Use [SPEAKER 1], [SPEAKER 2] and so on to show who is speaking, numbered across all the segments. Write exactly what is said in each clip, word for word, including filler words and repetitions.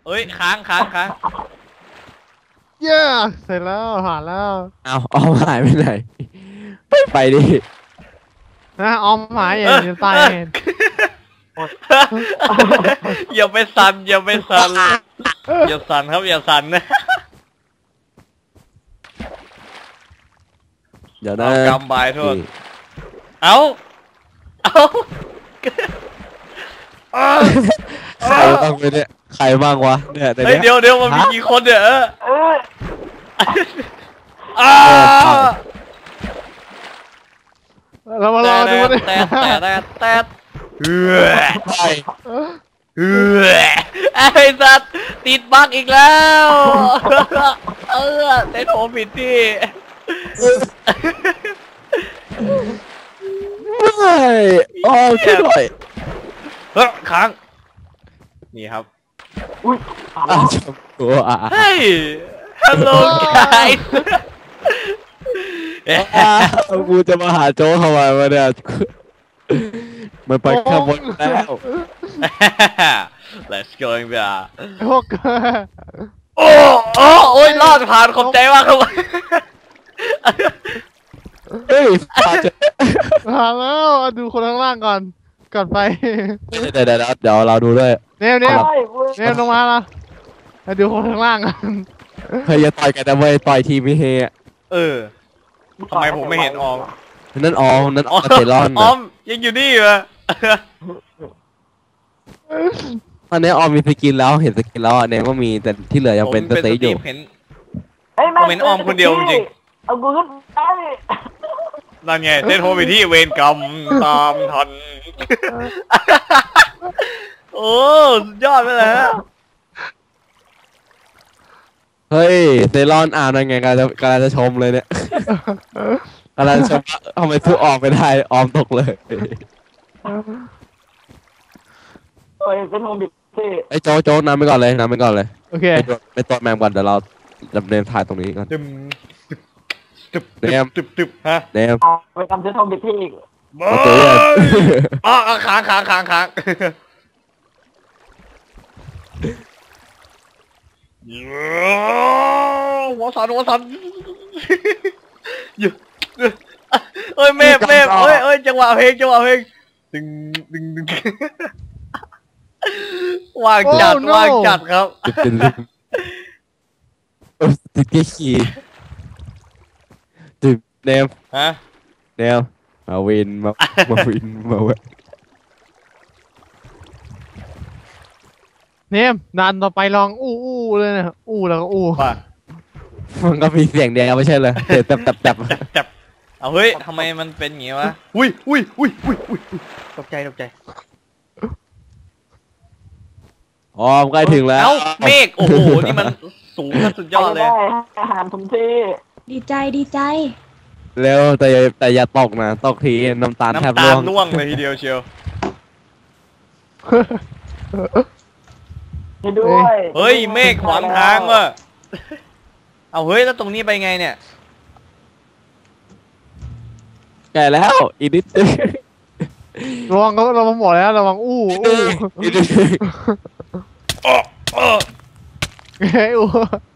[SPEAKER 1] ฮ้ยค้างค้างค้าง
[SPEAKER 2] เย้เสร็จแล้วผ่านแล้ว
[SPEAKER 3] เอาเอาหายไปไหนไปไปดิ
[SPEAKER 2] นะออมหายอย่างจะตาย
[SPEAKER 1] อย่าไปสั่นอย่าไปสั่นอย่าสั่นครับอย่าสั่นนะ
[SPEAKER 3] เดี๋ยวนะ
[SPEAKER 1] กำบายโทษเอาเอา
[SPEAKER 3] ใครบ้างเนี่ยใครบ้างวะเนี่ย
[SPEAKER 1] เฮ้ยเดี๋ยวเดี๋ยวมันมีกี่คนเนี่ยอ้า
[SPEAKER 2] เรามารอดูดิ
[SPEAKER 1] แต่แต่แต่แต่เฮ้ย
[SPEAKER 3] ไป
[SPEAKER 1] เฮ้ยไอ้สัตว์ติดบั๊กอีกแล้วเออเต้นโหผิดที่
[SPEAKER 3] ไม่โอ้ช่วยหน่อย
[SPEAKER 1] เฮ้ยค้างนี่ครับ
[SPEAKER 4] อุ้ย
[SPEAKER 3] อ้าวชมตัวอ่ะ
[SPEAKER 1] เฮ้ย hello guys
[SPEAKER 3] กูจะมาหาโจ้ทำไมวะเนี่ยมันไปข้างบนแล้ว
[SPEAKER 1] let's go เบียร์
[SPEAKER 2] พวก
[SPEAKER 1] โอ้โอ้โอ้ยรอดผ่านขอบใจมากครับ
[SPEAKER 3] เฮ้ย
[SPEAKER 2] ผ่านแล้วดูคนข้างล่างก่อนก่อนไป
[SPEAKER 3] เดี๋ยวเดี๋ยวเดี๋ยวเราดูด้วย
[SPEAKER 2] เนมเนมเนมลงมาละมาดูคนข้างล่างกัน
[SPEAKER 3] เฮ้ยอย่าต่อยกันนะเว้ยต่อยทีไม่เฮ
[SPEAKER 1] เออทำไมผมไม่เห็นออม
[SPEAKER 3] นั่นออมนั่นออมเตลอน
[SPEAKER 1] ออมยังอยู่นี่เหรอ
[SPEAKER 3] ตอนนี้ออมมีสกินแล้วเห็นสกินแล้วเนมก็มีแต่ที่เหลือยังเป็นสเตย์อยู่
[SPEAKER 1] เห็นผมเห็นออมคนเดียวจริง
[SPEAKER 4] เอากูขึ้นได้
[SPEAKER 1] นั่นไงเต้นโฮไปที่เวรกรรมตามทันโอ้ยอดไปเลยฮะ
[SPEAKER 3] เฮ้ยเซรอนอ่านยังไงกำลังจะกำลังจะชมเลยเนี่ยกำลังชมทำไมสู้ออมไม่ได้ออมตกเลย
[SPEAKER 4] โอ้ยเป็นโฮมบิทที่
[SPEAKER 3] ไอ้โจ๊กโจ๊กนำไปก่อนเลยนำไปก่อนเลย
[SPEAKER 2] โอเค
[SPEAKER 3] ไปตัวแมมก่อนเดี๋ยวเราดำเนินถ่ายตรงนี้ก่อน
[SPEAKER 1] ตึบตึบตึบตึบฮะ
[SPEAKER 4] เนมไปทำเส้นโฮมบิทที่อีก
[SPEAKER 1] โอเคอ๋อค้างค้างค้างค้างหัวสันหัวสันอยู่เอ้ยเมฆเมฆเอ้ยเอ้ยจังหวะเพลงจังหวะเพลงดึงดึงดึงว่างจัดว่างจัดครับ
[SPEAKER 3] ติดเกขี้ติดเนม
[SPEAKER 1] ฮะ
[SPEAKER 3] เนมมาวินมามาวินมาเว้ย
[SPEAKER 2] เนมนานต่อไปลองอู้อู้เลยนะอู้แล้วก็อู้
[SPEAKER 3] มันก็มีเสียงเดียวไม่ใช่เลยเดี๋ยวแตบแตบแตบ
[SPEAKER 1] แตบเอาเฮ้ยทำไมมันเป็นอย่างงี้วะอุ้ยอุ้ยอุ้ยอุ้ยอุ้ยตกใจตกใจ
[SPEAKER 3] อ๋อใกล้ถึงแล้ว
[SPEAKER 1] เมฆโอ้โหนี่มันสูงสุดยอดเลย
[SPEAKER 4] อาหารทุกที่
[SPEAKER 5] ดีใจดีใจ
[SPEAKER 3] เร็วแต่แต่อย่าตกนะตกทีน้ำตาลแทบร่วง
[SPEAKER 1] ร่วงเลยทีเดียวเชียว
[SPEAKER 4] ด้วย
[SPEAKER 1] เฮ้ยเมฆขวางทางว่ะเอาเฮ้ยแล้วตรงนี้ไปไงเนี่ย
[SPEAKER 3] แก่แล้วอีนิด
[SPEAKER 2] ระวังก็ระวังหมดแล้วระวังอู้อู้
[SPEAKER 3] อีนิด
[SPEAKER 1] อ๋ออ๋อ
[SPEAKER 2] เฮ้ยอู้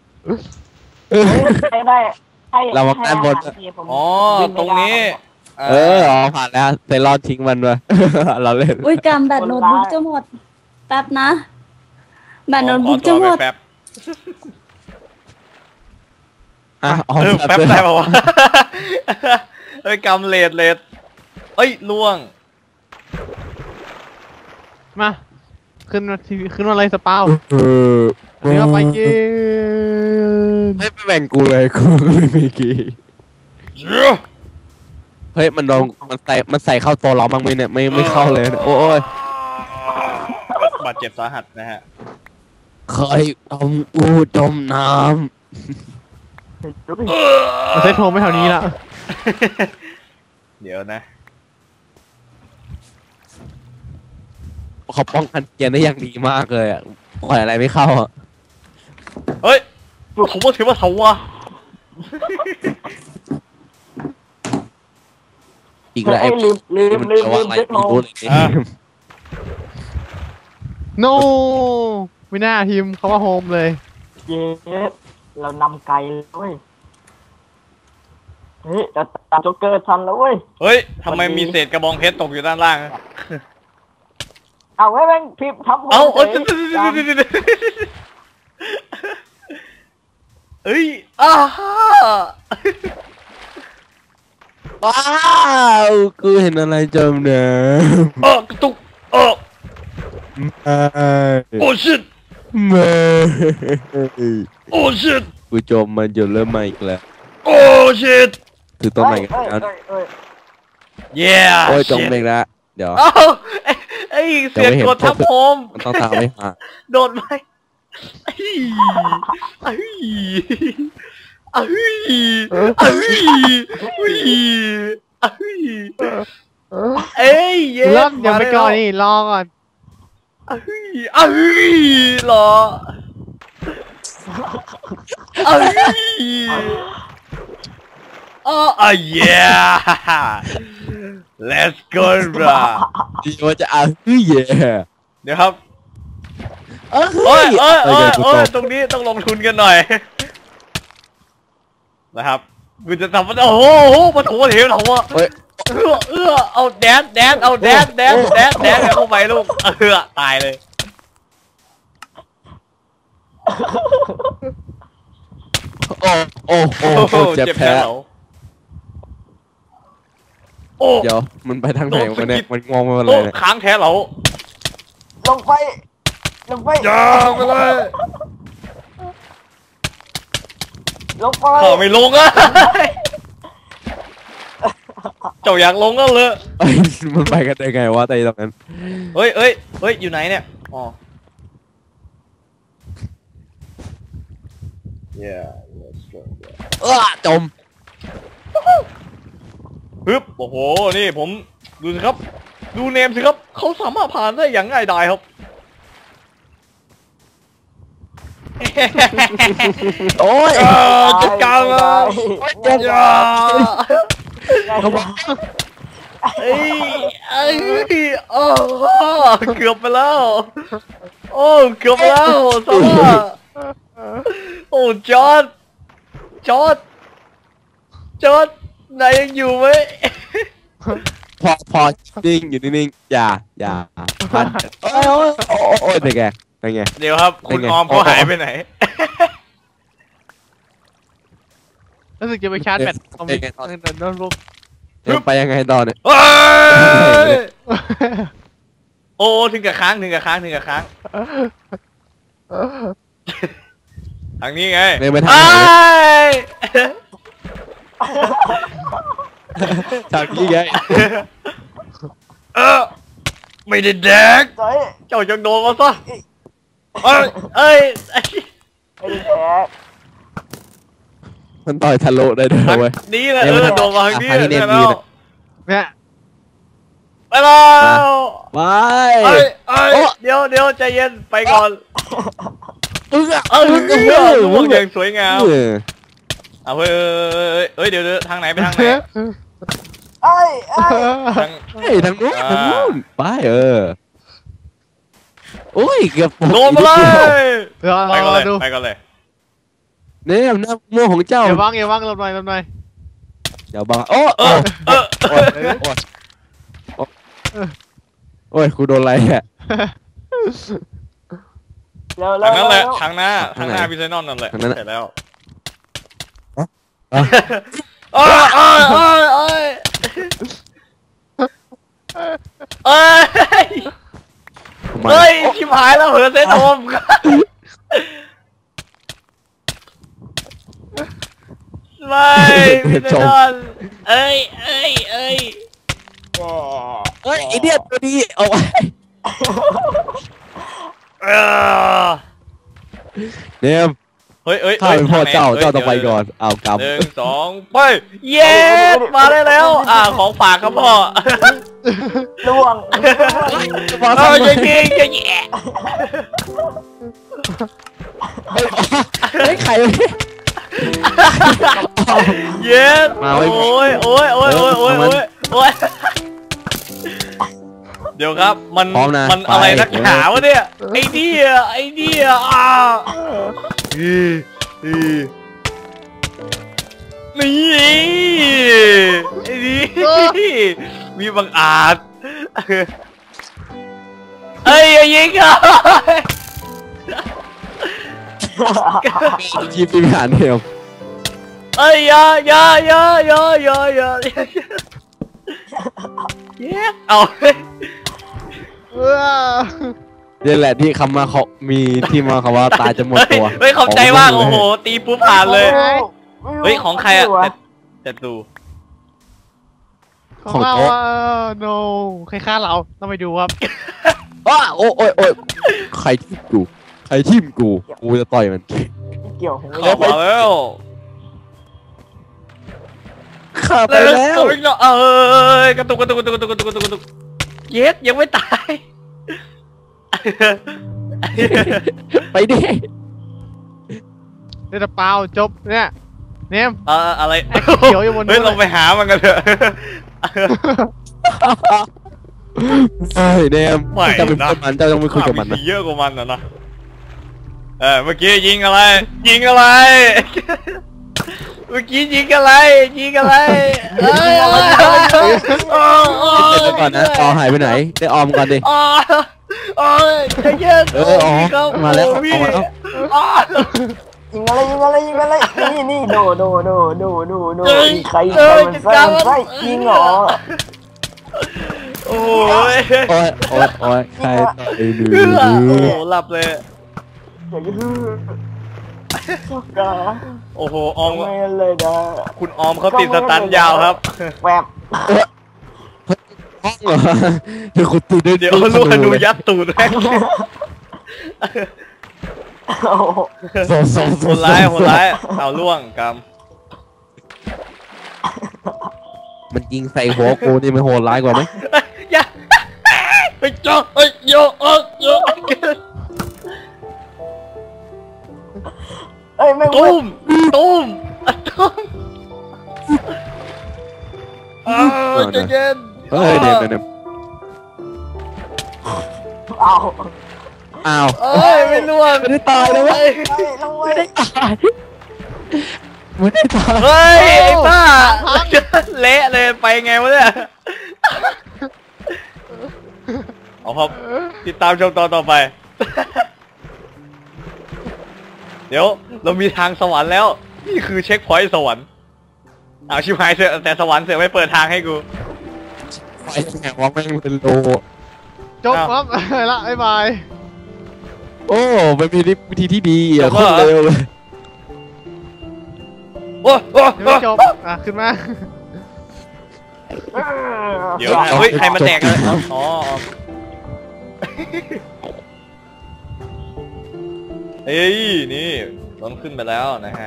[SPEAKER 4] ได้
[SPEAKER 3] เรามาด้านบน
[SPEAKER 1] อ๋อตรงนี้
[SPEAKER 3] เอออ๋อผ่านแล้วเซรอนทิ้งมันไปเราเล่น
[SPEAKER 5] อุ้ยกำแบตโน้ตบุ๊กจะหมดแป๊บนะแบตโน้ตบุ๊กจะหมด
[SPEAKER 1] แป๊บ
[SPEAKER 3] อ่ะอ๋อ
[SPEAKER 1] แป๊บได้ป่าวะเฮ้ยกำเลดเลดเอ้ยล่วง
[SPEAKER 2] มาขึ้นมาทีขึ้นมาอะไรสปาวอันนี้ก็ไปกิน
[SPEAKER 3] ไม่แบ่งกูเลยกูไม่มีกี่เฮ้ยมันโดนมันใส่มันใส่เข้าตัวเราบ้างไหมเนี่ยไม่ไม่เข้าเลยโอ้ย
[SPEAKER 1] บาดเจ็บสาหัสนะฮะ
[SPEAKER 3] เคยจมอูจมน้
[SPEAKER 2] ำมันใช้โทรไม่แถวนี้ละ
[SPEAKER 1] เดี๋ยวนะ
[SPEAKER 3] เขาป้องกันเกียร์ได้อย่างดีมากเลยอ่ะปล่อยอะไรไม่เข้าอ่ะ
[SPEAKER 1] เฮ้ยผมว่าถือว่าเขาวะ
[SPEAKER 3] อีกแล้วไอ้
[SPEAKER 4] ลืมลืมลืมลืมเจ็คโน
[SPEAKER 2] โนไม่น่าพิมพ์เขาว่าโฮมเลย
[SPEAKER 4] เย้เรานำไกลเลยเว้ยเฮ้ยเราตามโจ๊กเกอร์ทันแล้วเว้ย
[SPEAKER 1] เฮ้ยทำไมมีเศษกระบองเพชรตกอยู่ด้านล่าง
[SPEAKER 4] เอาไว้แม่งพิมพ์ทับหัว
[SPEAKER 1] เอาเอ้ย
[SPEAKER 4] ฉย
[SPEAKER 1] เอ้ยอ้า
[SPEAKER 3] ว้าวกูเห็นอะไรจมน้
[SPEAKER 1] เออกระตุกเออ
[SPEAKER 3] ำไม่
[SPEAKER 1] โอ้ชิต
[SPEAKER 3] ไม่
[SPEAKER 1] โอ้ชิต
[SPEAKER 3] กูจมมันจนเริ่มใหม่อีกแล้ว
[SPEAKER 1] โอ้ชิต
[SPEAKER 3] คือต้นใหม่กัน
[SPEAKER 4] เอ้ย
[SPEAKER 3] แล้ว
[SPEAKER 4] เอ้ยเอ้ย
[SPEAKER 1] เย้
[SPEAKER 3] โอ้ยจมเองละเดี๋ยว
[SPEAKER 1] เอ้าไอ้ไอ้เสียงกดทับผม
[SPEAKER 3] มันต้องตามไม่หา
[SPEAKER 1] โดดไปไอ้ไอ้ไอ้ไอ้ไอ้ไอ้เอ้ยเย้
[SPEAKER 2] เริ่มเดี๋ยวไปก่อนนี่รอก่อน
[SPEAKER 1] ไอ้ไอ้รอไอ้อ๋อไอ้เย้ let's go bro
[SPEAKER 3] ดีว่าจะเอาเฮ้ยเย่
[SPEAKER 1] เดี๋ยวครับ
[SPEAKER 3] เอ้
[SPEAKER 1] โอ้ย
[SPEAKER 3] ย
[SPEAKER 1] โอ้ยโอ้ย
[SPEAKER 3] กู
[SPEAKER 1] โอ้
[SPEAKER 3] ต
[SPEAKER 1] ย
[SPEAKER 3] ก
[SPEAKER 1] ตรงนี้ต้องลงทุนกันหน่อยนะครับกูจะทำมันโอ้โหมาถูเหวเราอะ
[SPEAKER 3] เฮ้ย
[SPEAKER 1] เอื้อเอื้อเอาแดนแดนเอาแดนแดนแดนแดนเข้าไปลูกเอื้อตายเลย
[SPEAKER 3] โอ้โอ้โอ้โอ้เจ็บแผล
[SPEAKER 1] เหรอโอ้
[SPEAKER 3] เดี๋ยวมันไปทางไหนวะเนี่ยมันงงไปหมดเล
[SPEAKER 1] โอ้
[SPEAKER 3] ยเนี่ย
[SPEAKER 1] ค้างแท้เหรอ
[SPEAKER 4] ลงไปลงไป
[SPEAKER 1] อย่าไปเลย
[SPEAKER 4] ลงไป
[SPEAKER 1] ข้าไม่ลงอะเจ้าอยากลงก็เลย
[SPEAKER 3] เอ้ยมันไปกันได้ไงวะแต่ตรงนั้น
[SPEAKER 1] เฮ้ยเฮ้ยเฮ้ยอยู่ไหนเนี่ยอ๋อ yeah let's go
[SPEAKER 3] เออจม
[SPEAKER 1] ฮึบโอ้โหนี่ผมดูสิครับดูเนมสิครับเขาสามารถผ่านได้อย่างง่ายดายครับ
[SPEAKER 3] โอ้ย
[SPEAKER 1] เออจัดการเลย
[SPEAKER 3] เจ็บ
[SPEAKER 1] อย่า
[SPEAKER 3] เขาบอก
[SPEAKER 1] เอ้ยเอ้ยโอ้เกือบไปแล้วโอ้เกือบไปแล้วสวัสดีโอ้จอร์ดจอร์ดจอร์ดนายยังอยู่ไหม
[SPEAKER 3] พอพอนิ่งอยู่นิ่งๆอย่าอย่าพันโอ้ยโอ้ยโอ้ยโอ้ยเป็นไงเป็นไง
[SPEAKER 1] เดี๋ยวครับคุณ
[SPEAKER 3] เป็นไง
[SPEAKER 1] ออมเขาหายไปไหน
[SPEAKER 2] รู้สึกจะไปชาร์จแบตคอมพิวเตอร์โน้ตบุ๊ก
[SPEAKER 3] เดี๋ยวไปยังไงต่อเนี่ย
[SPEAKER 1] เฮ้ยโอ้ถึงกับค้างถึงกับค้างถึงกับค้างทางนี้ไง
[SPEAKER 3] เดินไปทาง
[SPEAKER 1] ไอ้
[SPEAKER 3] ไหนทางนี้ไง
[SPEAKER 1] เออไม่ได้แดก
[SPEAKER 4] เฮ้ย
[SPEAKER 1] เจ้าจังโดนมาซะเอ้ยเอ้ย
[SPEAKER 4] ไม่ได้แพ้
[SPEAKER 3] มันต่อยทะลุได้ด้วย
[SPEAKER 1] ทาง
[SPEAKER 3] เว้ย
[SPEAKER 1] นี้แหละ
[SPEAKER 3] เดี๋
[SPEAKER 1] เอ
[SPEAKER 3] ยว
[SPEAKER 1] อ
[SPEAKER 3] มัน
[SPEAKER 1] โดนมาทางนี้
[SPEAKER 3] ทางนี้
[SPEAKER 1] ได้
[SPEAKER 3] เนียน
[SPEAKER 1] แล้ว
[SPEAKER 3] ดีนะ
[SPEAKER 2] เนี่ย
[SPEAKER 1] ไปแล้ว
[SPEAKER 3] ไป
[SPEAKER 1] เอ้ยเอ้ย
[SPEAKER 3] โอ้
[SPEAKER 1] เดี๋ยวเดี๋ยวใจเย็นไปก่อน
[SPEAKER 3] อึ้งอ่ะ
[SPEAKER 1] เอ้ย
[SPEAKER 3] อึ้ง
[SPEAKER 1] เอ
[SPEAKER 3] อ่ะ
[SPEAKER 1] อลูกอย่างสวยงาม
[SPEAKER 3] เออ
[SPEAKER 1] เอาเฮ้ยเอ้ยเอ้ยเดี๋ยวเดี๋ยวทางไหนไปทางไหน
[SPEAKER 4] เอ้ยเอ้ย
[SPEAKER 1] ทาง
[SPEAKER 3] เฮ้ยทางนู้น
[SPEAKER 1] อ่า
[SPEAKER 3] ทางนู้นไปเออโอ้ยเกือบ
[SPEAKER 1] โดนมาเลย
[SPEAKER 2] รอ
[SPEAKER 1] ไปก่อน
[SPEAKER 2] ร
[SPEAKER 1] เล
[SPEAKER 2] อย ดู
[SPEAKER 1] ไปก่อนเลย
[SPEAKER 3] เนี่ยหน้าม่วงของเจ้า
[SPEAKER 2] อย่าว่างอย่าว่างลบหน่อยลบหน่อย
[SPEAKER 3] เดี๋ยวบังโอ้
[SPEAKER 1] เอ
[SPEAKER 3] โอ้
[SPEAKER 1] อเออ
[SPEAKER 3] โอ้ยโอ้ยโอ้ยโอ้ยกูโดนอะไรอ่ะ
[SPEAKER 4] เร็วเร็
[SPEAKER 1] ทาว งนั้นแหละ
[SPEAKER 4] เร็ว
[SPEAKER 1] ทางหน้าทางหน้า
[SPEAKER 3] ทางไหน
[SPEAKER 1] พิเศษนอนนั่นแหละ
[SPEAKER 3] ทางนั้น
[SPEAKER 1] เสร็จแล้ว
[SPEAKER 3] อ่ะ
[SPEAKER 1] เอ้ยเอ้ยเอ้ยเอ้ยเอ้ย
[SPEAKER 3] ทำไม
[SPEAKER 1] เฮ้ยชิบหายแล้วเหรอเซนโอมไม่พิเศษนอนเอ้ยเอ้ยเอ้ย
[SPEAKER 3] เฮ้ยไอเดียตัวนี้เอาไว้
[SPEAKER 1] เออ
[SPEAKER 3] เนม
[SPEAKER 1] เฮ้ยเฮ้ย
[SPEAKER 3] ข้าเป็นพ่อเจ้า
[SPEAKER 1] ฮ้ย
[SPEAKER 3] เจ้าต้องไป
[SPEAKER 1] ดี๋ยว
[SPEAKER 3] ก่อนเอาก
[SPEAKER 1] หนึ่งสองไปเย้มาได้แล้ว อ่าของฝากครับพ่อ
[SPEAKER 4] ล่วง
[SPEAKER 3] ำมา
[SPEAKER 1] เอ
[SPEAKER 3] ทำ
[SPEAKER 1] อ
[SPEAKER 3] ไม
[SPEAKER 1] จะยิงจะแย่
[SPEAKER 3] เฮ้ยใครวะเนี่ย
[SPEAKER 1] เย้
[SPEAKER 3] มา
[SPEAKER 1] โอ้
[SPEAKER 3] ไว้
[SPEAKER 1] ยโอ้ยโอ้ยโอ้ยโอ้ยโอ้ยโอ้ยเดี๋ยวครับมัน
[SPEAKER 3] พร้อมนะ
[SPEAKER 1] มันอะไร
[SPEAKER 3] ไป
[SPEAKER 1] นักหนาวะเนี่ยไอ้เนี่ยไอ้เนี่ยอ่าอีอีนี่ไอ้นี่มีบังอาจเอ้ยอย่ายิงอ่ะ
[SPEAKER 3] ทีมทีมหารเดียว
[SPEAKER 1] เอ้ยอย่าอย่าอย่าอย่าอย่าอย่าเย้เอา
[SPEAKER 2] เออ
[SPEAKER 3] นี่แหละที่คำมาเขามีที่มาคำว่าตายจะหมดตัว
[SPEAKER 1] เฮ้ยเข้าใจมากโอ้โหตีปุ๊บผ่านเลย เฮ้ยของใครอะแต่ดู
[SPEAKER 2] ของเราอ่ะ no ใครฆ่าเราต้องไปดูครับ
[SPEAKER 3] อ้าโอ้ยโอ้ยโอ้ยใครทิ่มกูใครทิ่มกูกูจะต่อยมัน
[SPEAKER 4] เกี่ยวผม
[SPEAKER 1] เข้ามาแล้ว
[SPEAKER 3] ข้าไปแล้ว
[SPEAKER 1] เออกระตุกกระตุกกระตุกกระตุกกระตุกกระตุกกระตุกเย็ดยังไม่ตาย
[SPEAKER 3] ไปดิ
[SPEAKER 2] เดี๋ยวจะเปล่าจบเนี่ยเนม
[SPEAKER 1] เอออะไร
[SPEAKER 2] ไอ้เขียวอยู่บนนู้น
[SPEAKER 1] เฮ้ยลงไปหามันกันเถอะ
[SPEAKER 3] เฮ้ยเนม
[SPEAKER 1] ไม่
[SPEAKER 3] จะเป็น
[SPEAKER 1] นะ
[SPEAKER 3] มันเจ้าต้องไปคุยกับมันนะ
[SPEAKER 1] เยอะกว่ามันนะนะเออเมื่อกี้ยิงอะไร ยิงอะไร เมื่อกี้ยิงอะไรยิงอะไรเอ้ย
[SPEAKER 3] เดี๋ยวก่อนนะออหายไปไหนได้ออมก่อนดิ
[SPEAKER 1] อ๋ออ๋อใจเย็น
[SPEAKER 3] เอออ๋อมาแล้ว
[SPEAKER 1] พี่
[SPEAKER 3] ออกมาแล้ว
[SPEAKER 1] อ๋อ
[SPEAKER 4] ยิงอะไรยิงอะไรยิงอะไรนี่นี่โดโดโดโดโดโด
[SPEAKER 1] เอ้ย
[SPEAKER 4] ใคร
[SPEAKER 1] เอ้
[SPEAKER 4] ใคร
[SPEAKER 1] ย
[SPEAKER 4] มันใส่มันใส่ยิงเหรอ
[SPEAKER 1] โอ้ย
[SPEAKER 3] โอ้ยโอ้ยโอ้ยใครต่อยหนู
[SPEAKER 1] เอื้อโอ้โหหลับเลย
[SPEAKER 4] อย่าฮือชอบกา
[SPEAKER 1] โอ้โหออม
[SPEAKER 4] ไม่เลยนะ
[SPEAKER 1] คุณออมเขาติดสตันยาวครับ
[SPEAKER 4] แวบ
[SPEAKER 3] ห้องเหรอเดี๋ยวคุณตีด้วย
[SPEAKER 1] เดี๋ยวลูกธนูยัดตูดแม่ง
[SPEAKER 4] โอ้โห
[SPEAKER 3] โซโซโซ
[SPEAKER 1] โหดร้ายโหดร้ายเอาล่วงก
[SPEAKER 3] มันยิงใส่หัวกูนี่มันโหดร้ายกว่าไหม
[SPEAKER 1] ำอย่าไปจ่อเอ้ยโยเอ้ยโย
[SPEAKER 4] เอ้ยแม่ง
[SPEAKER 1] ตุ้มตุ้มตุ้มอ้าวใจเย็น
[SPEAKER 3] เฮ้ยเดี๋ยวเดี๋ยวเดี๋ยว
[SPEAKER 4] เอา
[SPEAKER 3] อ้าว
[SPEAKER 1] เอ้ยไม่ล่วง
[SPEAKER 3] ไม่ได้ตายเลยเวะ
[SPEAKER 1] เฮ้ย
[SPEAKER 4] เฮ้ยลงไป
[SPEAKER 3] ตายไม่ได้ตาย
[SPEAKER 1] เฮ้ยไอ้บ้าเละเลยไปไงวะเนี่ยเอาครับติดตามชมตอนต่อไป เดี๋ยวเรามีทางสวรรค์แล้วนี่คือเช็คพอยต์สวรรค์เอาชิบหายเสือแต่สวรรค์เสือไม่เปิดทางให้กู
[SPEAKER 3] ไฟแหงว่าแม่งเป็นโล
[SPEAKER 2] จบครับละบ๊ายบาย
[SPEAKER 3] โอ้เป็นวิธีที่ดีอ่ะโคตรเร็วเลย
[SPEAKER 1] โอ้โอ้
[SPEAKER 2] ยังไม่จบอ่ะขึ้นมา
[SPEAKER 1] เดี๋ยวนะเฮ้ยใครมาแตกเลยอ๋อเฮ้ยนี่ต้นขึ้นไปแล้วนะฮะ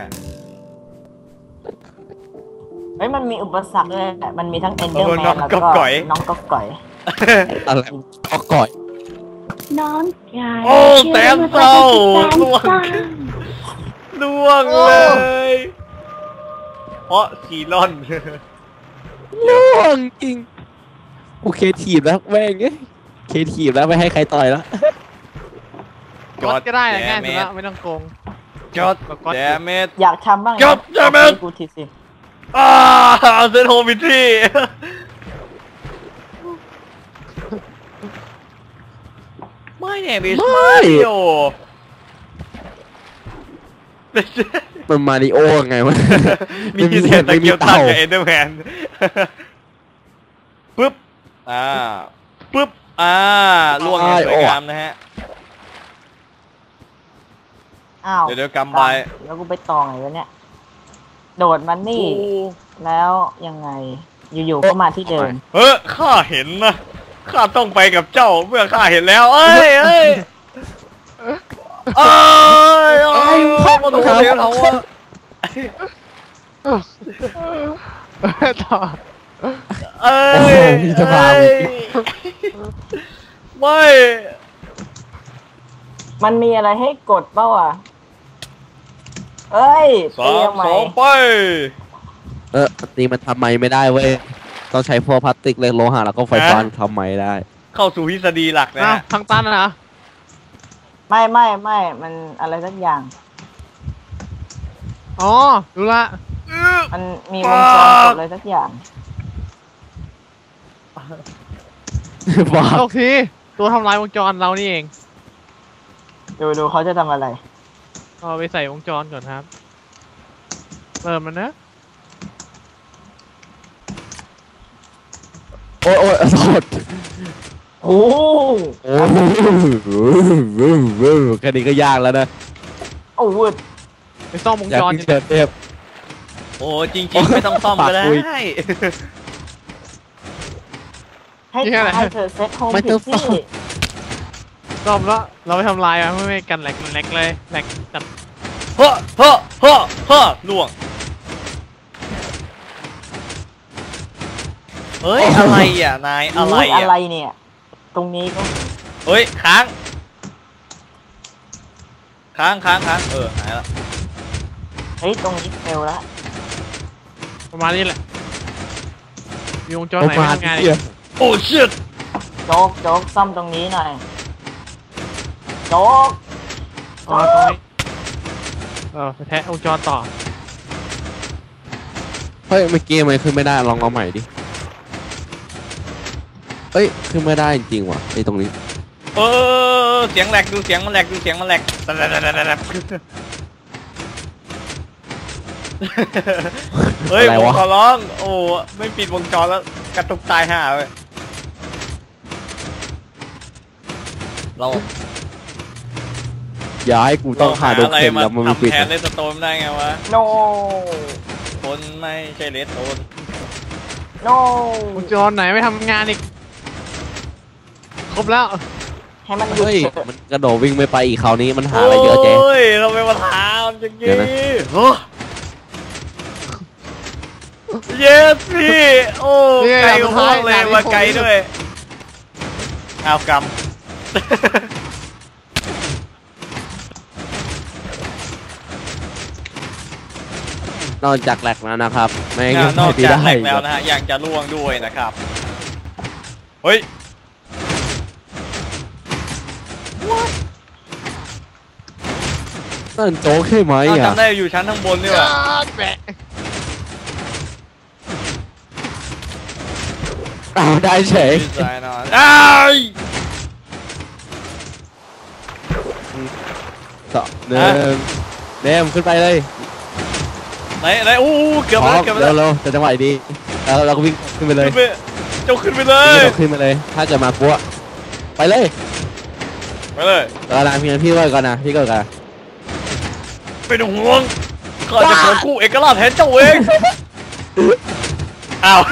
[SPEAKER 4] เฮ้ยมันมีอุปสรรคเลยมันมีทั้งเอนเดอร์แมน
[SPEAKER 1] น้อง
[SPEAKER 4] แล้ว
[SPEAKER 1] ก๊
[SPEAKER 4] ก็
[SPEAKER 1] อกก๋อย
[SPEAKER 4] น้องก๊อกก๋อย
[SPEAKER 3] อะไรก็ก่อย
[SPEAKER 5] น้องกาย
[SPEAKER 1] โอ้แต้มเศร้าล่วงล่วงเลยเพราะซีรอน
[SPEAKER 3] ล่วงจริงกูเคทีบแล้วแม่งเอ้ยเคทีบแล้วไม่ให้ใครต่อยแล้ว
[SPEAKER 2] กดก็ได้อะง่ายสุดละไม่ต้องโกง
[SPEAKER 1] จอดแดมเมจ
[SPEAKER 4] อยากทำบ้าง
[SPEAKER 1] จบจะเป็น
[SPEAKER 4] กูทีสิ
[SPEAKER 1] อ่าเซนโฮมิทรีไม่เนี่ยบิสมาริโอ
[SPEAKER 3] มันมาริโอไงวะ
[SPEAKER 1] มีเศษตะเกียบตัดกับเอเดอร์แมนปึ๊บอ่าปึ๊บอ่าล่วงอย่างสวยงามนะฮะ
[SPEAKER 4] อ้าว
[SPEAKER 1] เดี๋ยวเดี๋ยวกำไป
[SPEAKER 4] แล้วกูไปตองไงวะเนี่ยโดดมันนี่แล้วยังไงอยู่ๆก็มาที่เดิม
[SPEAKER 1] เฮ้ยข้าเห็นนะข้าต้องไปกับเจ้าเมื่อข้าเห็นแล้วเอ้ยเอ้ยเอ้ยเอ้ยพ่อมาดูเสียงเขาอะ
[SPEAKER 2] ต่อ
[SPEAKER 1] เอ้ย
[SPEAKER 3] โอ้โหมีสภาพ
[SPEAKER 1] เอ้ยไม่
[SPEAKER 4] มันมีอะไรให้กดเปล่าอ่ะเอ้ย
[SPEAKER 1] สา
[SPEAKER 4] ตี
[SPEAKER 1] ม
[SPEAKER 4] ทำไม
[SPEAKER 1] สองไป
[SPEAKER 3] เออตีมันทำไมไม่ได้เว้ยต้องใช้พวกพลาสติกเหล็กโลหะแล้วก็ไฟฟ้าทำไมได้
[SPEAKER 1] เข้าสู่ทฤษฎีหลักนะ
[SPEAKER 2] อ้าว
[SPEAKER 1] ฮะ
[SPEAKER 2] ทางตันเหรอ
[SPEAKER 4] ไม่ไม่ไม่มันอะไรสักอย่าง
[SPEAKER 2] อ๋อรู้ละ
[SPEAKER 4] มันมีวงจรกดอะไรสักอย่าง
[SPEAKER 3] บ้า
[SPEAKER 2] โทษทีตัวทำลายวงจรเรานี่เอง
[SPEAKER 4] ดูดูเขาจะทำอะไร
[SPEAKER 2] เอาไปใส่วงจรก่อนครับเปิดมันนะ
[SPEAKER 3] โอ้ยโอ้ยโทษ
[SPEAKER 4] โอ้
[SPEAKER 3] โอ้โหแค่นี้ก็ยากแล้วนะ
[SPEAKER 4] โอ้วืด
[SPEAKER 2] ไปซ่อมวง
[SPEAKER 3] อยาก
[SPEAKER 2] จร
[SPEAKER 3] กินเชิญเทพ
[SPEAKER 1] โอ้จริงๆไม่ต้องซ่อมก็ได้
[SPEAKER 3] ปากคุย
[SPEAKER 4] ให้ให้เธอเซ็ตโฮม
[SPEAKER 3] ไม่
[SPEAKER 4] ผิ
[SPEAKER 3] ต้อ
[SPEAKER 4] ด
[SPEAKER 3] งซ่อม
[SPEAKER 4] ที่
[SPEAKER 2] ซ่อมแล้วเราไปทำลายมันไม่ไม่กันแหลกแหลกเลยแหลกจัด
[SPEAKER 1] เฮ้อเฮ้อเฮ้อเฮ้อล่วงเฮ้ยอะไรอ่ะนายอะไร
[SPEAKER 4] ยอะไร
[SPEAKER 1] อ่ะ
[SPEAKER 4] เนี่ย ตรงนี้ก็
[SPEAKER 1] เฮ้ยค้างค้างค้างค้างเออหายละ
[SPEAKER 4] เฮ้ยตรงนี้เฟลละ
[SPEAKER 2] ประมาณนี้แหละมีวงจร
[SPEAKER 3] โอ้
[SPEAKER 2] ไหน
[SPEAKER 3] มา
[SPEAKER 2] ทำงานอี
[SPEAKER 3] เหี้ย
[SPEAKER 2] ก
[SPEAKER 1] โอ้ชิต
[SPEAKER 4] โจ๊กโจ๊กซ่อมตรงนี้หน่อยโจ๊ก
[SPEAKER 2] อ๋อตรงนี้เออไปแทะวงจรต่อ
[SPEAKER 3] เฮ้ยเมื่อกี้ทำไมขึ้นไม่ได้ลองเอาใหม่ดิเฮ้ยขึ้นไม่ได้จริงๆว่ะไอ้ตรงนี้
[SPEAKER 1] เออเสียงแหลกดูเสียงมันแหลกดูเสียงมันแหลกเฮ้ยผมขอร้องโอ้ไม่ปิดวงจรแล้วกระตุกตายห่าเลยเรา
[SPEAKER 3] อย่าให้กูต้องหาโดน
[SPEAKER 1] อะไร
[SPEAKER 3] เข็ม
[SPEAKER 1] มา
[SPEAKER 3] แล้วมันไม่
[SPEAKER 1] ทำ
[SPEAKER 3] ปิด
[SPEAKER 1] แทนเลสโตนได้ไงวะ
[SPEAKER 4] โน
[SPEAKER 1] คนไม่ใช่เลสโตน
[SPEAKER 4] โน
[SPEAKER 2] วงจรไหนไม่ทำงานอีกครบแล้ว
[SPEAKER 4] ให้มันหยุด
[SPEAKER 3] เฮ้ย
[SPEAKER 4] เถอะ
[SPEAKER 3] มันกระโดดวิ่งไม่ไปอีกคราวนี้มันหาอะไรเยอะแจ๊
[SPEAKER 1] โอ้ยเราไปมาถามอย่าง
[SPEAKER 3] เดี๋
[SPEAKER 1] งี้
[SPEAKER 3] ยวนะ
[SPEAKER 1] โอ้เยสพี่โอ้ไกลกว่าพวกเลยมาไกลด้วยเอากำ
[SPEAKER 3] นอกจากแหลกแล้วนะครับไม่
[SPEAKER 1] น
[SPEAKER 3] งั้น
[SPEAKER 1] อก
[SPEAKER 3] ไม่
[SPEAKER 1] จาก
[SPEAKER 3] ได้
[SPEAKER 1] แหลกแล้วนะฮะยังจะล่วงด้วยนะครับเฮ้ย
[SPEAKER 3] นั่นโจ๊กใช่ไหม
[SPEAKER 1] เรา
[SPEAKER 3] อ่ะ
[SPEAKER 1] จำได้อยู่ชั้นข้างบนนี่หว่า
[SPEAKER 2] แปะ
[SPEAKER 3] อ้าวได้เฉย
[SPEAKER 1] ดีใจนอนอ้าย
[SPEAKER 3] สองหนึ่งเดมขึ้นไปเลย
[SPEAKER 1] ไหนไหนอู้เกือบ
[SPEAKER 3] พร้
[SPEAKER 1] แล้
[SPEAKER 3] อ
[SPEAKER 1] ว
[SPEAKER 3] ม
[SPEAKER 1] เกือบแล้
[SPEAKER 3] เร็
[SPEAKER 1] ว
[SPEAKER 3] วๆจะจังหวะดีแล้วเราก็วิ่งขึ้นไปเลย
[SPEAKER 1] ขึ้นไปเจ้าขึ้นไปเล
[SPEAKER 3] วิ่ง
[SPEAKER 1] ย
[SPEAKER 3] กระโดดขึ้นไปเลย ถ้าเกิดมาปุ๊บไปเลย
[SPEAKER 1] ไปเลย
[SPEAKER 3] เวลาพี่พี่ก็ก่อนนะพี่ก็ก่อน
[SPEAKER 1] ไม่ต้องห่วงข้าจะขอคู่เอกราชแทนเจ้าเองอ้าว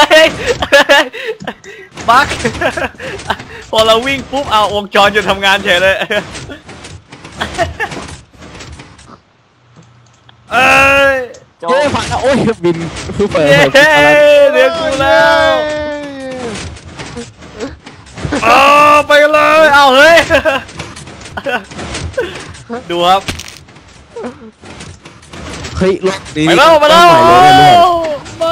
[SPEAKER 1] บักพอเราวิ่งปุ๊บเอาวงจรหยุดทำงานเฉยเลยเอ้ย
[SPEAKER 4] โจ๊
[SPEAKER 3] เย้
[SPEAKER 4] ก
[SPEAKER 3] ผ่านแล้วโอ้ยบินคือเปิด
[SPEAKER 1] เย้
[SPEAKER 3] เปิดอะไร
[SPEAKER 1] เรียกกูแล้วอ้าวไปกันเลยเอาเฮ้ยดูครับ
[SPEAKER 3] เฮ้ยรถนี้
[SPEAKER 1] ไปแล้วไปแล้ว
[SPEAKER 3] ต้องใหม่เลยเนี่ย
[SPEAKER 1] ไม่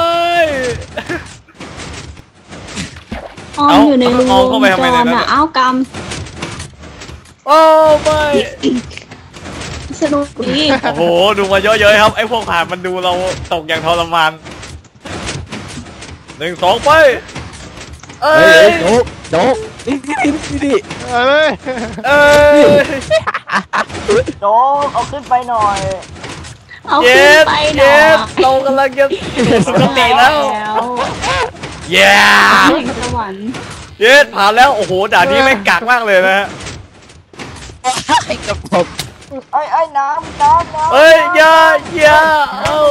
[SPEAKER 5] ออมอยู่ในรู
[SPEAKER 1] เอา
[SPEAKER 5] ว
[SPEAKER 1] เข้าง ไปทำไม
[SPEAKER 5] จ
[SPEAKER 1] ในนั้
[SPEAKER 5] ร
[SPEAKER 1] น
[SPEAKER 5] อ่ะ
[SPEAKER 1] น่ะ
[SPEAKER 5] อ้าวกรรม
[SPEAKER 1] โอ้ไม่
[SPEAKER 5] สนุกดี
[SPEAKER 1] โอ้โหดูมาเยอะๆครับไอ้พวกผ่านมันดูเราตกอย่างทรมานหนึ่งสองไปเอ้
[SPEAKER 3] เฮ้ย
[SPEAKER 1] ย
[SPEAKER 3] เฮ้ยโจ๊กโจ๊กนี่นี่นี่นี่
[SPEAKER 2] เอ้ย
[SPEAKER 1] เอ้ย
[SPEAKER 4] โจ๊กเอาขึ้นไปหน่อย
[SPEAKER 5] เอา
[SPEAKER 1] เย
[SPEAKER 5] ขึ้น
[SPEAKER 1] ส
[SPEAKER 5] ไปห
[SPEAKER 1] เย
[SPEAKER 5] น่อย
[SPEAKER 1] สเรากำลังจะปกติแล้ว เย้
[SPEAKER 5] แห่งสวรรค์
[SPEAKER 1] เยสผ่านแล้วโอ้โหด่านนี้ไม่งกักมากเลยนะฮะ
[SPEAKER 3] ไอ้กับผม
[SPEAKER 4] ไอ้ไอ้น้ำน้ำน้ำ
[SPEAKER 1] เอ้ยอย่าอย่าเอ้า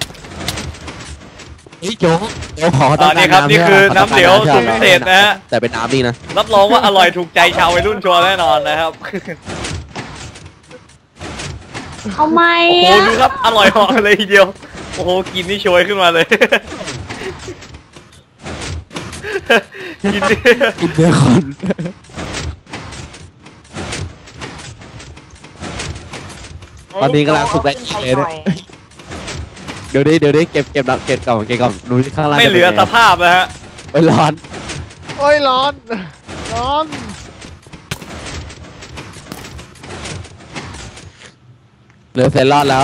[SPEAKER 3] เฮ้ยโจ๊กโจ๊กขอ
[SPEAKER 1] อ่า
[SPEAKER 3] ต้องการ
[SPEAKER 1] นี่ครับนี่คือ
[SPEAKER 3] ข
[SPEAKER 1] น้ำเหลว
[SPEAKER 3] ต้
[SPEAKER 1] สู
[SPEAKER 3] อง
[SPEAKER 1] ตร
[SPEAKER 3] การ
[SPEAKER 1] พิเศษนะฮะ
[SPEAKER 3] แต่เป็นน้ำนี่นะ
[SPEAKER 1] รับรองว่าอร่อยถูกใจชาววัยรุ่นชัวร์แน่นอนนะครับ
[SPEAKER 5] เอาไหม
[SPEAKER 1] โอ้โห
[SPEAKER 5] อ่ะ
[SPEAKER 1] ดูครับอร่อยเหาะเลยทีเดียวโอ้โหกินนี่โชยขึ้นมาเลย กินนี่
[SPEAKER 3] กินเนื้อคน ตอนนี้กำลังฝึกแรง
[SPEAKER 4] อา
[SPEAKER 3] เลย
[SPEAKER 4] ขึ้น
[SPEAKER 3] เนี่ย
[SPEAKER 4] ไปหน่อย
[SPEAKER 3] เดี๋ยวดิเดี๋ยวดิเก็บเก็บเก็บก่อนเก็บก่อนดูที่ข้างล่าง
[SPEAKER 1] ไม่เหลือสภาพนะฮะ
[SPEAKER 3] ไปร้อน
[SPEAKER 2] โอ้ยร้อนนอน
[SPEAKER 3] เหลือเซรอนแล้ว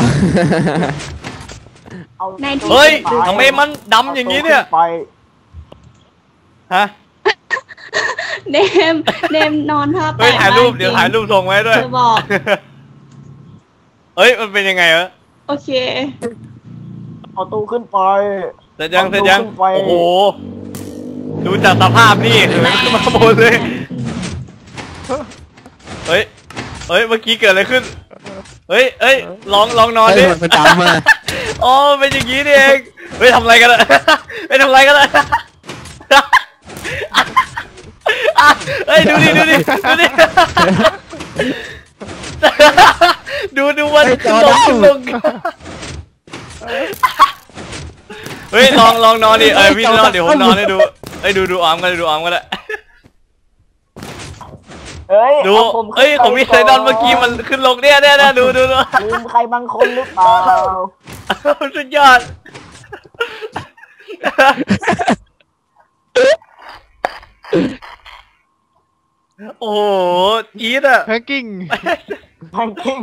[SPEAKER 4] เอา
[SPEAKER 5] ในที่
[SPEAKER 1] เฮ้ยทำไมมันดำอย่างนี้เนี่ย
[SPEAKER 4] ไป
[SPEAKER 1] ฮะ
[SPEAKER 5] เนมเนมนอนท่าแปล
[SPEAKER 1] เฮ้ย
[SPEAKER 5] ก
[SPEAKER 1] ถ่ายรูป
[SPEAKER 5] มก
[SPEAKER 1] เดี๋ยวถ่ายรูปส่งไว้ด้วย
[SPEAKER 5] จะบอก
[SPEAKER 1] เฮ้ยมันเป็นยังไงวะ
[SPEAKER 5] โอเค
[SPEAKER 4] เอาตู้ขึ้นไป
[SPEAKER 1] เสร็จยังเสร็จยัง
[SPEAKER 4] เอาตู้ขึ้นไป
[SPEAKER 1] โอ้โหดูจากสภาพนี่เหินขึ้นมาบนเลยเฮ้ยเฮ้ยเมื่อกี้เกิดอะไรขึ้นเฮ้ยเฮ้ยลองลองนอน
[SPEAKER 3] เฮ้
[SPEAKER 1] ดิ
[SPEAKER 3] ยมันดำมา
[SPEAKER 1] อ๋อเป็นอย่างนี้นี่เองเฮ้ยทำอะไรกันอะเฮ้ยทำอะไรกันอะเฮ้ยดูดิดูดิดูดิดูดูมันขึ้นลงขึ้นลงเฮ้ยลองลองนอนดิเอ้ยพี่นอนเดี๋ยวผมนอนให้ดูเฮ้ยดูดูอาร์มกันดูอาร์มกันแหละ
[SPEAKER 4] เฮ้ย
[SPEAKER 1] ดู
[SPEAKER 4] อาผมขึ้น
[SPEAKER 1] เอ้ยของพี่ไซดอนเมื่อกี้มันขึ้นลงเนี่ยเนี่ยเนี่ยดูดูดู
[SPEAKER 4] ลืมใครบางคนหรือเปล่า
[SPEAKER 1] สุดยอดโอ้โหจี๊ดอะ
[SPEAKER 2] แพงกิ้ง
[SPEAKER 4] แพงกิ้ง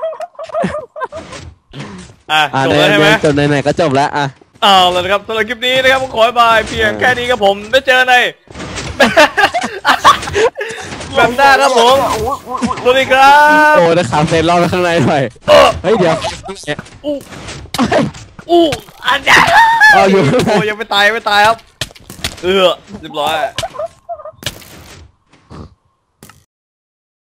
[SPEAKER 1] อ่ะ
[SPEAKER 3] อ่า
[SPEAKER 1] จบ
[SPEAKER 3] ใน
[SPEAKER 1] แล้วใช่ไหม
[SPEAKER 3] จบไหนๆก็จบแล้วอ่ะ
[SPEAKER 1] เอาแล้วนะครับสำหรับคลิปนี้นะครับผมขอบายเพียงแค่นี้ครับผมไม่เจอในแบบหน้าครับผม สวัสดีครับ
[SPEAKER 3] โอ้แต่ขาเซรอนไว้ข้างในหน่อยเฮ้ยเดี๋ยว
[SPEAKER 1] อู้อู้อันเนี้ย
[SPEAKER 3] เอาอยู่ข้างใน
[SPEAKER 1] โอ้ยังไม่ตายยังไม่ตายครับเออเรียบร้อย